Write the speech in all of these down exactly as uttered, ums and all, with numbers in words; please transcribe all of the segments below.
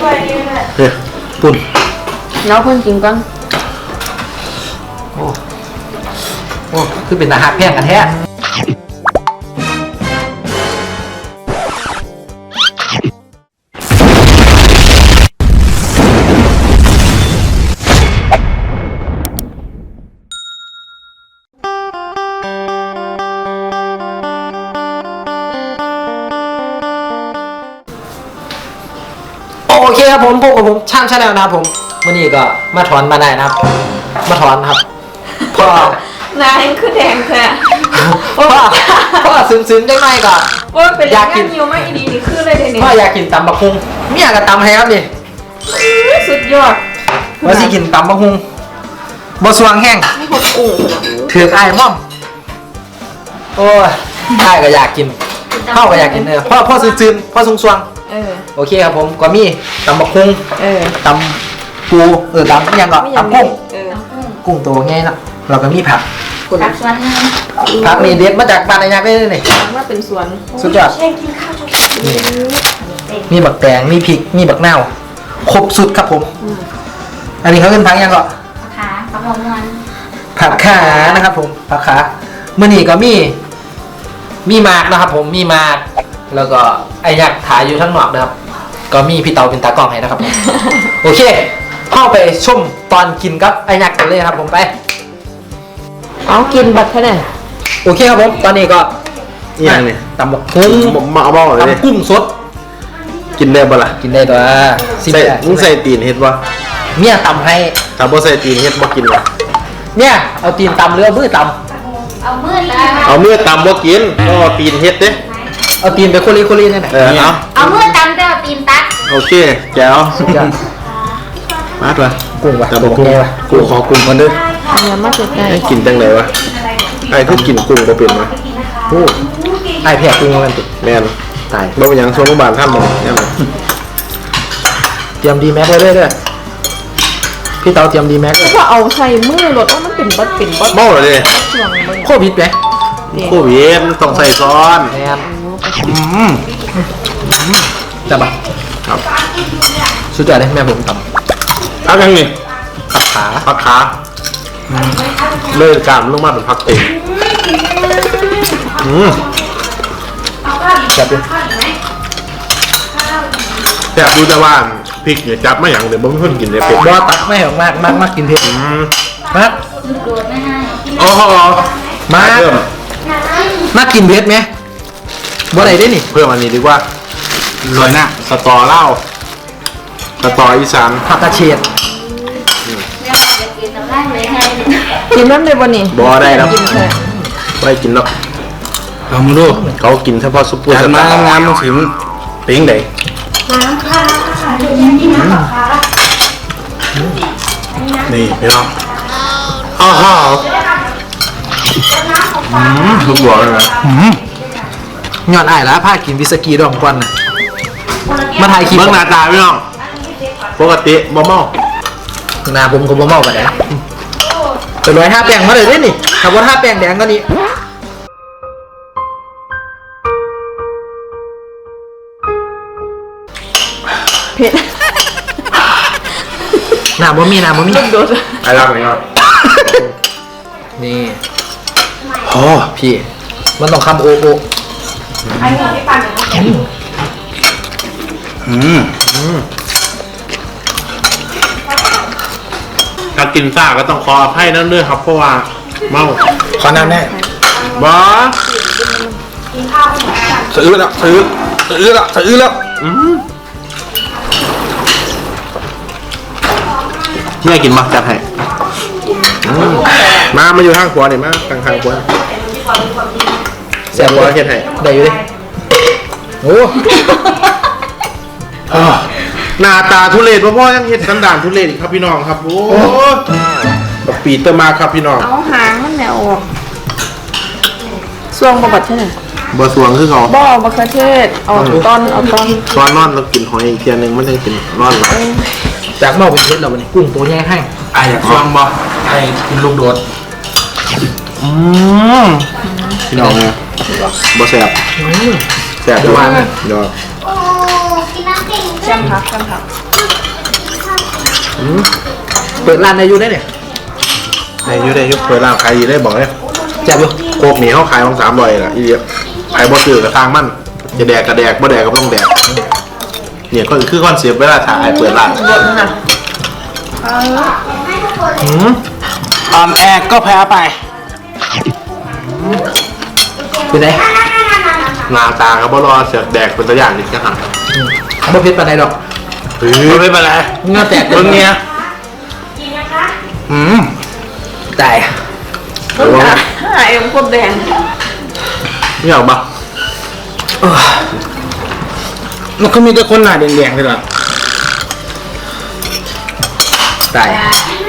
เฮ้ยปุ่นแล้วเพิ่นกินก่อนโอ้โอ้คือเป็นตาหักแพงกันแท้โอเคครับผมพบกับผมช่างชาแนลนะครับผมวันนี้ก็มาถอนมาได้นะครับมาถอนครับพ่อนายคือแดงแท้พ่อพ่อซึมๆได้ไหมก่อนว่าเป็นอยากกินยิวไม่ดีนี่คืออะไรเนี่ยพ่ออยากกินตำบักฮุงเมียกับตำให้ครับดิสุดยอดว่าสิกินตำบักฮุงบะสวงแห้งถือไอ้ม่อมโอ้ยได้ก็อยากกินพ่อก็อยากกินเออพ่อพ่อซึมๆพ่อสวงโอเคครับผมก็มีตำบักฮุงตำปูเออตำยังก็ตำกุ้งกุ้งตัวง่ายนะเราก็มีผักผักสวนผักนี่เด็ดมาจากบ้านไอ้ยักษ์ได้เลยนี่มาเป็นสวนสุดยอดมีบักแตงมีพริกมีบักนาวครบสุดครับผมอันนี้เขาเป็นผักยังก็ขาผักหอมมันผักขานะครับผมผักขาเมื่อนี้ก็มีมีมากนะครับผมมีมากแล้วก็ไอ้ยักษ์ถ่ายอยู่ทั้งนอกนะครับก็มีพี่เตาเป็นตากล้องให้นะครับโอเคเข้าไปชมตอนกินกับไอ้ยักษ์กันเลยครับผมไปเอากินบัดแค่ไหนโอเคครับผมตอนนี้ก็ยังเนี่ยตำบักหุ่งมาเอาบ้าเลยตำกุ้งสดกินได้ปะล่ะกินได้ตัวใส่มึงใส่ตีนเห็ดวะเมียตำให้ถ้าบ่ใส่ตีนเห็ดบ่กินวะเนี่ยเอาตีนตำหรือเอามือตำเอามือตำเอามือตำบ่กินก็ตีนเห็ดเด้เอาตีนไปโคลีโคลีนี่แหละเออเอาเอามือตำแต่เอาตีนตักโอเคแจ๋วมาตัวกุ้งวะแต่บอกกุ้งวะกูขอกุ้งมันด้วยเนี่ยมาเสร็จได้กินจังไหนวะไอ้คือกินกุ้งบ่เป็นวะโอ้ไอ้แพะกุ้งมันติดแม่นตายบ่เป็นหยังโซนบาลท่านบ่ยังเตรียมดีแม็กเลยด้วยพี่เตาเตรียมดีแม็กเลยว่าเอาใส่มือรถว่ามันเป็นบัดเป็นบัดเมาเลยโควิดไหมโควิดต้องใส่ซ้อนแม่จับป่ะครับสุดยอดเลยแม่ผมทำเอายังไงผักขาผักขาเลื่อนกล้ามลงมาเป็นผักเต็มอืมจับดูแต่ดูจะว่าพริกเนี่ยจับไม่อย่างเดี๋ยวบ่มีคนกินเลยเผ็ดบ่ตักไม่หรอกมากมากมากกินเผ็ดมากโอ้โหมากมากกินเผ็ดไหมบ่ไหนได้นี่เพิ่มอันนี้ดีกว่าลอยหน้าสตอเล่าสตออีสานผักกระเฉดกินน้ำเลยวันนี้บ่ได้แล้วไม่กินแล้วเอามาดูเขากินเฉพาะซุปเปอร์สตาร์งานมันถึงเป็นยังไงนี่พี่น้องอ้าวอืมทุกบอกเลยนะย้อนไอ้แล้วพากินวิสกี้ดองก่อนนะมาถ่ายคลิปเมื่อหน้าตาพี่น้องปกติบ่เมาหน้าผมก็บ่เมากันนะแต่ร้อยห้าแป้งมาเลยได้นี่ถ้าว่าห้าแป้งแดงก็นี่เผ็ดหน้าบ่มีหน้าบ่มีโดดไอ้รักนี่ครับนี่โอ้พี่มันต้องคำโอโอไอ้หัวที่ปั่นอืมอืมถ้ากินซ่าก็ต้องขออภัยนั่นด้วยครับเพราะว่าเมาขอน้ำแน่บ้าซื้อแล้วซื้อซื้อแล้วซื้อแล้วอืมแม่กินมาจัดให้มามาอยู่ข้างขวาเนี่ยมาข้างข้างขวาแซ่บขวาเฮ็ดให้ได้อยู่ดิโอ้หน้าตาทุเรศพ่อยังเฮ็ดสันดานทุเรศอีกครับพี่น้องครับโอ้ปีเตอร์มาครับพี่น้องเอาหางมันแนวออกซวงบะบัดใช่ไหมบะสวงคือเขาบ่บะกระเทศเอาตอนเอาตอนตอนนอนเรากินหอยอีกเทียนึงมันจะกินนอนจากเมาเป็นเพชรเราเนี่ยกุ้งตัวใหญ่ให้ไอ้อยากซองบ่ไอ้กินลูกโดดอืมพี่น้องเนี่ยบ่แสบแสบด้วยยอดแจ่มพักแจ่มพักอืมเปิดร้านในอยู่ได้เนี่ยในยุได้ยุเปิดร้านขายดีได้บอกเลยแจ่บอยู่โคกเหนียวขายของสามร้อยละอีเดียขายบ่ซื้อกระทางมันจะแดกกระแดกบ่แดกก็ต้องแดกเนี่ยก็คือคอนเซ็ปต์เวลาถ่ายเปิดร้านอืมอ่อนแอก็แพ้ไปเป็นไงหน้าตาครับบ่รอเสือกแดกเป็นตัวอย่างนี่จะหักบ่เผ็ดปานใดดอกเฮ้ยไม่เป็นไรเงาแตกเบิ่งเนี่ยอืมตายเดี๋ยวว่าหายเอ็มโคตรแดงไม่เอาปะมันก็มีแต่คนหน้าแดงๆเลยล่ะตาย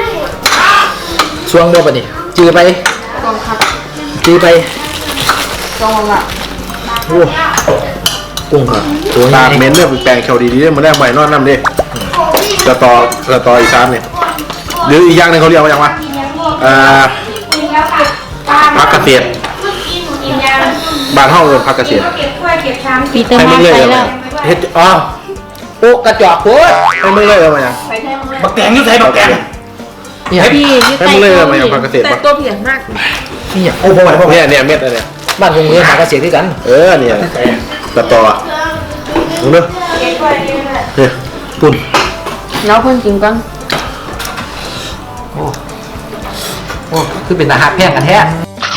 ช่วงบ่ปะนี่จือไปกองครับจือไปกองละโอ้กุ้งครับตัวตานี้เม้นเรื่องแปลงแคลดีดีเนี่ยมันได้ใหม่นอนน้ำดิสตอสตออีสานเนี่ยหรืออีกอย่างหนึงเขาเรียกว่าอย่างวะอ่าพักเกษตรบ้านห้องเอินพักเกษตรปีเตอร์ให้มามึงเลยไปเอาแล้มาว เฮ็ดอ๋อโอ้กระจอกโคตรให้มึงเลยเอามาอย่างไปแท้มึงเลยบักแตงนี่ใส่บักแตงเนี่ยพี่อยืดให้ใต้มึงเลยตัวเอามาอย่างพักเกษตรแต่ปะตัวเพียงมากเนี่ยโอ้บ่ไหวบ่ไหวเนี่ยเนี่ยเม็ดอะไรเนี่ยบ้านคงเงินหากระเสียด้วยกันเออเนี่ยสตอมึงเด้อเนี่ยปุ่นแล้วคนจริงกันโอ้โอ้คือเป็นตาหักแพงกันแท้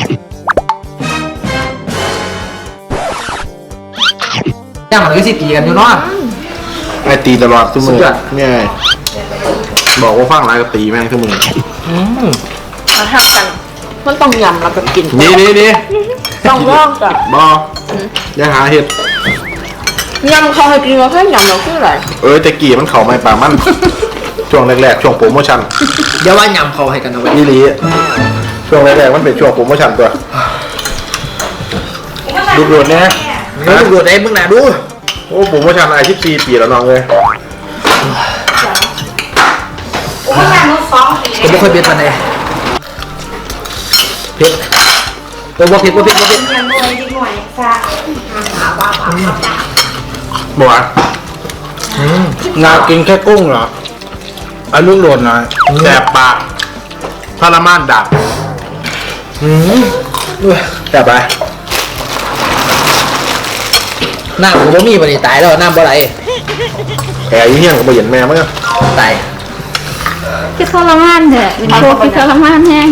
ย่างมันก็สิตีกันอยู่เนาะไอ้ตีตลอดทุกมือสุดยอดเนี่ยบอกว่าฟังไรก็ตีแม่งทุกมืออืมมาทำกัน มันต้องยำแล้วก็กินนี่นี่นี่ต้องร่องกับบออย่าหาเห็ดยำเขาให้กินเราแค่ยำเราคืออะไรเอ้ยแต่กี่มันเข่าไม่ปลามัน ช่วงแรกๆช่วงโปรโมชั่นเดี๋ยวว่ายำเขาให้กันเอาไว้นี่ลีช่วงแรกๆมันเป็นช่วงโปรโมชั่นตัวดูดๆนะเดี๋ยวดูดได้มึงน่ะดูโอ้โปรโมชั่นไอชิปซีปีแล้วน้องเลยผมไม่ค่อยเผ็ดปานใดเผ็ดโอ้บ่เผ็ดบ่เผ็ดบ่เผ็ดบอกว่าอืมนากินแค่กุ้งเหรออาลูกโหลดหน่อยแสบปากทรมานดับอืมอุ้ยแต่ไปน้ำผมบ่มีปานนี้ตายแล้วน้ำบ่ไหลแผลยี่เหี้ยงกับใบหยันแม่มั้งอะตายคือทรมานเถอะเป็นโคตรคือทรมานแห้ง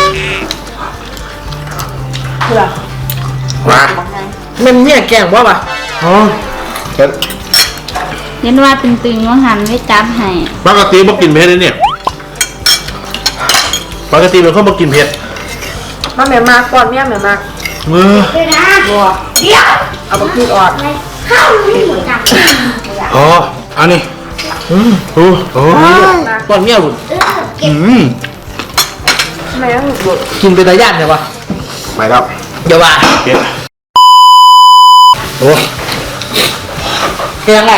เพื่อมามันเนี่ยแกล้งบ่ปะอ๋อเผ็ดเห็นว่าตึงๆว่าหันไม่จับให้ปกติบ่กินเผ็ดเลยเนี่ยปกติเป็นคนบ่กินเผ็ดมาแม่มากก่อนเมียแม่มากมือบัวเอาบักพีออดอ๋ออันนี้อืมโอ้โหตอนเมียบุญอืมแม่ต้องหยุดกินเป็นตาย่านใช่ปะไม่ครับเดี๋ยวว่าเผ็ดโอ้แกงแหละ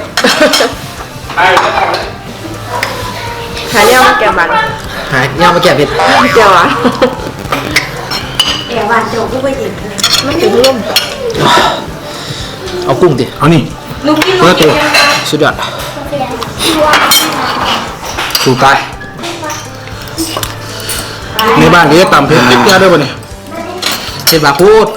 หาเนี่ยมาแกบันหายย่างมาแก้เผ็ดเจียวอ่ะไม่ถึงร่มเอากุ้งดิเอานี่เพื่อตัวสุดยอดสู่ตายในบ้านนี้ตำเผ็ดนิดเดียวด้วยป่ะเนี่ยเผ็ดบาพูด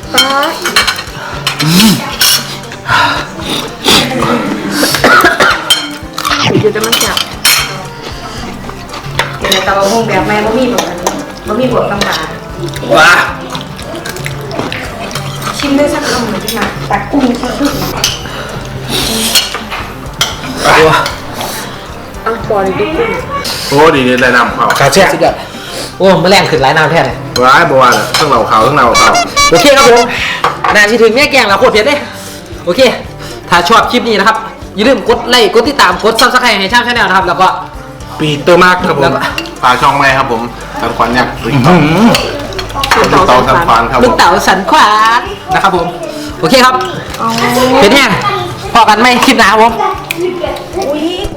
อยู่จะมันจับเดี๋ยวแต่บะฮงแบบแม่บะหมี่บวกกันบะหมี่บวกตำปลาว้าชิมด้วยสักคำหนึ่งที่มาตักกุ้งสักครึ่งโอ้อังปอเลยดิกุ้งโอ้ดีนี่เลยนำเขาขาแช่สุดยอดโอ้มาแรงขึ้นหลายน้ำแท้เลยร้ายบัวน่ะทั้งเราเขาทั้งเราเขาโอเคครับผมนาทีถึงแม่แกงแล้วโคตรเผ็ดเลยโอเค ถ้าชอบคลิปนี้นะครับ อย่าลืมกดไลค์กดติดตามกดซับสไครต์ให้ช่างชาแนลนะครับ แล้วก็ปีเตอร์มากครับผแล้วมก็ฝากช่องไหมครับผมสันควันยักษ์ติ๊กอื้อหือต๊อกต๊อกสันควันครับผลูกมเต๋าสันขวานนะครับผม โอเคครับเผ็ดแห้งพอกันไหมคลิปหน้าครับผมอุ้ย